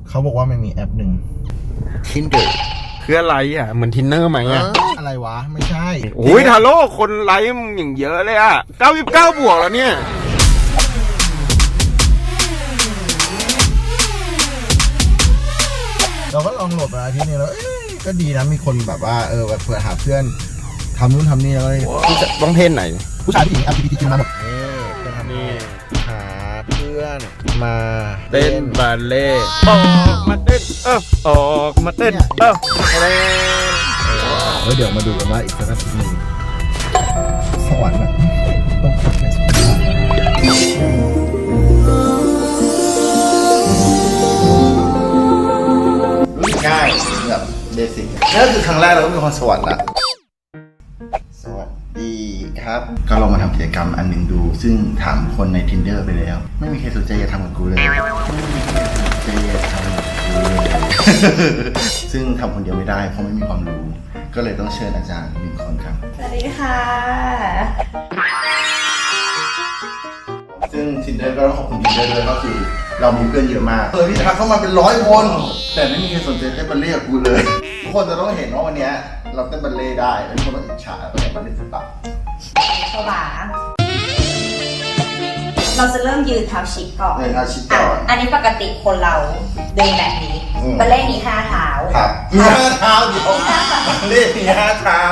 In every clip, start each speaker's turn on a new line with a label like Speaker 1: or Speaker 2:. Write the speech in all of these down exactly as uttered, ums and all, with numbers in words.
Speaker 1: เขาบอกว่ามันมีแอปหนึ่ง
Speaker 2: Tinder คืออะไรอ่ะเหมือนทินเนอร์ไหมอ่ะ
Speaker 1: อะไรวะไม่ใช่
Speaker 2: โอ้ยทาโร่คนไลค์มึงอย่างเยอะเลยอ่ะเก้าสิบเก้าบวกแล้วเนี่ย
Speaker 1: เราก็ลองโหลดมาอาทิตย์นี้แล้วก็ดีนะมีคนแบบว่าเออแบบเผื่อหาเพื่อนทำนู่นทำนี่แล้วก็เลย
Speaker 2: ต้องเพศไหน
Speaker 1: ผู้ชายผู้หญิง แอล จี บี ที คิว มาหมดนี่เพื่อนทำนี่หาเพื่อนมา
Speaker 2: เต้นบาเล่ออกมาเต้นเออออกมาเต้นเออเต้น
Speaker 1: เออเดี๋ยวมาดูกันว่าอีกสักอาทิตย์หนึงสวรรค์อะต้องขับในสวรรค์ง่ายแบบเบสิกนั่นคือครั้งแรกเราก็มีความสวรรค์ละสวัสดีครับก็ลองมาทำกิจกรรมอันหนึ่งดู ซึ่งถามคนใน Tinder ไปแล้ว ไม่มีใครสนใจจะทำกับกูเลยไม่มีใครสนใจจะทำกับกูเลยซึ่งทำคนเดียวไม่ได้เพราะไม่มีความรู้ ก็เลยต้องเชิญอาจารย์หนึ่งคนครับ
Speaker 3: สวัสดีค่ะ
Speaker 1: ซึ่ง Tinder ก็ต้องขอบคุณ Tinder ด้วยก็คือเรามีเพื่อนเยอะมากเคยที่ทักเข้ามาเป็นร้อยคน แต่ไม่มีใครสนใจเต้นบัลเล่ต์กับกูเลย ทุกคนจะต้องเห็นว่าวันนี้เราเต้นบัลเล่ต์ได้แล้วทุกคนต้องอิจฉาตัวเองบัลเล่ต์ศิลปะ
Speaker 3: โซบาเราจะเริ่มยืนเท้าชิดก่อน
Speaker 1: ในอาชีพก่อน
Speaker 3: อันนี้ปกติคนเราเดินแบบนี้
Speaker 1: อืม
Speaker 3: บัลเล่ต์มีห้าเท้า
Speaker 1: ครับมีห้าเท้าเดี๋ยวบัลเล่ต์มีห้าเท้า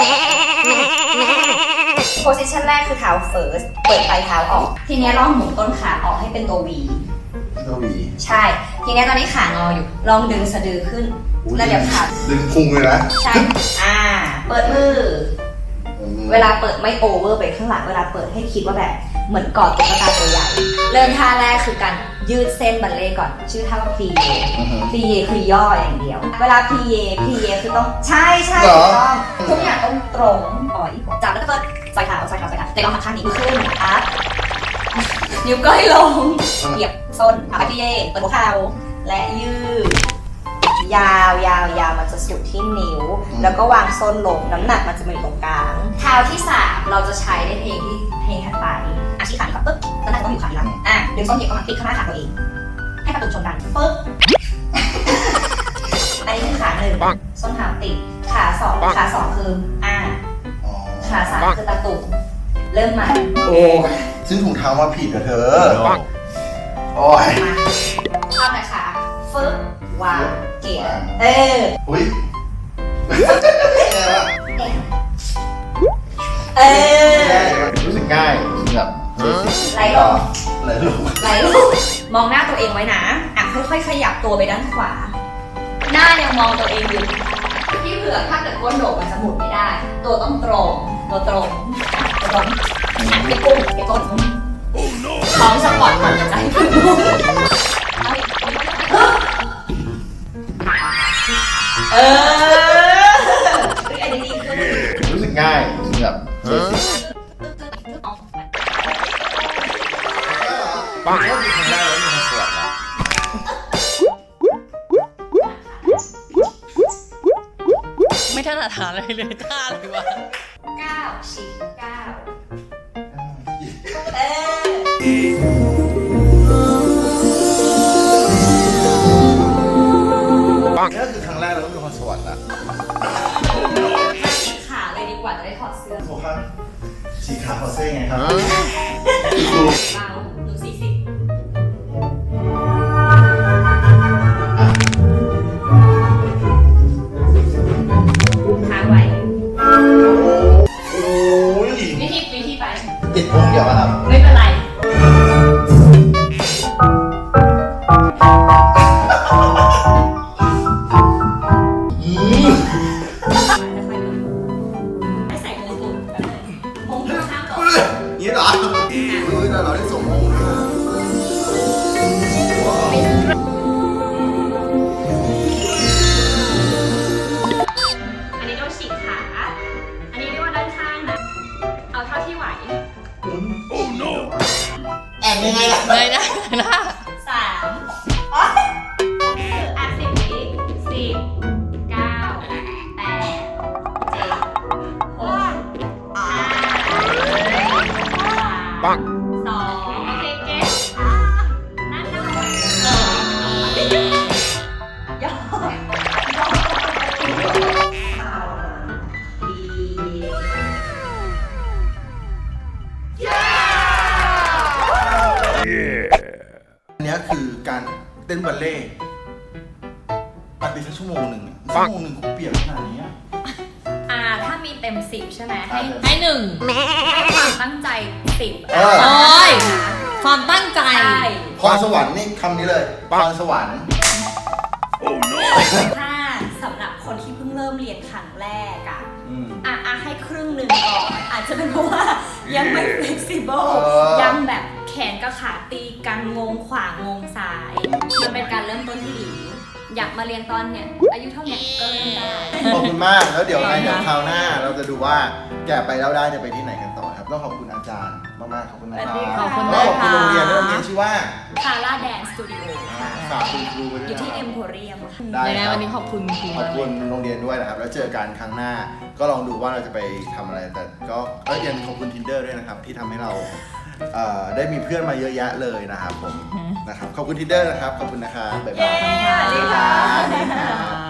Speaker 3: โพสิชันแรกคือเท้าเฟิร์ส เปิดปลายเท้าออก ทีนี้ลองหมุนต้นขาออกให้เป็นตัว V
Speaker 1: ตัววี
Speaker 3: ใช่ ทีนี้ตอนนี้ขางออยู่ ลองดึงสะดือขึ้น แล้วเดี๋ยวขา
Speaker 1: ดึงพุงเลยนะ
Speaker 3: ใช่ อ่า เปิดมือ เวลาเปิดไม่โอเวอร์ไปข้างหลัง เวลาเปิดให้คิดว่าแบบเหมือนกอดตุ๊กตาตัวใหญ่ เริ่มท่าแรกคือการยืดเส้นบัลเล่ต์ก่อน ชื่อท่าว่าพลีเยพลีเยคือย่ออย่างเดียว เวลาพลีเยพลีเยคือต้องใช่ใช่ถูกต้องทุกอย่างต้องตรงอ่อยจับแล้วก็เปิดใส่เท้าใส่เท้าใส่เท้าแต่ลองทำท่านี้ขึ้นอัพนิ้วก้อยลงเหยียบส้นเอาไปพลีเยเปิดหัวเข่าและยืดยาวยาวยาวมันจะสุดที่นิ้ว แล้วก็วางส้นลงน้ำหนักมันจะมาอยู่ตรงกลางเท้าที่สามเราจะใช้ในเพลงที่เพลงถัดไปอาชีพขาดีกว่าปึ๊บแล้วน่าจะต้องอยู่ขาดีหลังอ่ะดึงส้นเหยียบเข้ามาติดข้างหน้าขาตัวเองให้ประตูชนกันปึ๊บอันนี้คือขาหนึ่งส้นเท้าติดขาสองขาสองคืออ่าขาสามคือตะตุ่มเริ่มใหม่
Speaker 1: โอ้ซึ่งถุงเท้ามาผิดกับเธอโอ้ย
Speaker 3: มาเข้าหน่อยค่ะฟึ๊บวางเกี่ยเออ
Speaker 1: อุ้ยแย่ว่ะ
Speaker 3: เออ
Speaker 1: รู้สึกง่ายแบบ
Speaker 3: ไหลลง
Speaker 1: ไหลลง
Speaker 3: ไหลลงมองหน้าตัวเองไว้นะอ่ะค่อยๆขยับตัวไปด้านขวา หน้ายังมองตัวเองอยู่พี่เผือกถ้าเกิดก้นโดดมันจะหมุนไม่ได้ ตัวต้องตรง ตัวตรงตัวตรงอ่ะไปกุ้งไปก้นท้องสปอร์ตก่อนจะใจพึ่งเออคือไอ้ดีขึ้น
Speaker 1: รู้สึกง่ายแบบปังก็คือครั้งแรกแล้วมีความสวยนะ
Speaker 4: ไม่ถนัดหาอะไรเลยท่าเลยวะ
Speaker 3: เก้าฉีกเก้าเออ
Speaker 1: ปังก็คือครั้งแรกแล้วมีความสวยนะ
Speaker 3: ฉีกขาเลยดีกว่าจะได้ถอดเสื้อ
Speaker 1: โอ้ครับสีขาวคอเซ่ไงครับ
Speaker 3: เบาหนูสี่สิบค้างไว้
Speaker 1: โอ้ย
Speaker 3: วิธีวิธีไป
Speaker 1: ติดพุงเดี๋ยวครับ
Speaker 3: ไม่เป็นไรให้ใส่มงกุฎมงกุฎข้ามต่อ
Speaker 1: นี่เหรอเฮ้ยเราได้ส่งต้นบัลเล่ต์ปฏิสักชั่วโมงหนึ่งอะชั่วโมงหนึ่งกูเปลี่ยนขนาดนี้อะ
Speaker 3: อ่าถ้ามีเต็มสิบใช่ไหมให้
Speaker 4: ให้หนึ่ง
Speaker 3: ให้ความตั้งใจสิบ
Speaker 1: เออ
Speaker 4: โอ้ยความตั้งใจ
Speaker 3: ใช่
Speaker 1: พรสวรรค์นี่คำนี้เลยพรสวรรค์
Speaker 3: ถ้าสำหรับคนที่เพิ่งเริ่มเรียนครั้งแรกอะ
Speaker 1: อืม
Speaker 3: อ่ะอ่ะให้ครึ่งหนึ่งก่อนอาจจะเป็นเพราะว่ายังไม่ flexible
Speaker 1: เออ
Speaker 3: ยังแบบแขนกับขาตีกันงงขวางงซ้าย มันเป็นการเริ่มต้นที่ดี อยากมาเรียนตอนเนี่ยอายุเท่าเนี้ยก็เริ่มได้
Speaker 1: ขอบคุณมากแล้วเดี๋ยวไงเดี๋ยวคราวหน้า เราจะดูว่าแกะไปแล้วได้จะไปที่ไหนกันต่อครับต้องขอบคุณอาจารย์มากๆขอบคุณนะครับ
Speaker 4: ขอบคุณ
Speaker 1: แล้ว
Speaker 4: มาก
Speaker 1: ขอบคุณ
Speaker 4: ค่ะ
Speaker 1: โรงเรียนด้วยโรงเรียนชื่อว่า
Speaker 3: คาร่าแดนสตูดิโอค่ะ
Speaker 1: ฝากคุณครูไว้ด้
Speaker 3: อ
Speaker 1: วย
Speaker 3: ยู่ที่
Speaker 1: นะ
Speaker 3: เอ็
Speaker 1: ค
Speaker 3: ม
Speaker 1: รับ
Speaker 3: โพเรียมค่ะ
Speaker 1: ได้
Speaker 4: ใน
Speaker 1: ครับ
Speaker 4: วันนี้ขอบคุณครู
Speaker 1: ขอบ
Speaker 4: มาก
Speaker 1: คุณโรงเรียนด้วยนะครับ แล้วเจอกันครั้งหน้า ก็ลองดูว่าเราจะไปทำอะไร แต่ก็เออยังขอบคุณ Tinder ด้วยนะครับ ที่ทำให้เราเอ่อได้มีเพื่อนมาเยอะแยะเลยนะครับผมนะครับ ขอบคุณ Tinder นะครับ ขอบคุณนะครับบ๊ายบาย
Speaker 3: สวัสดีค่ะ
Speaker 1: สวัสดีครับ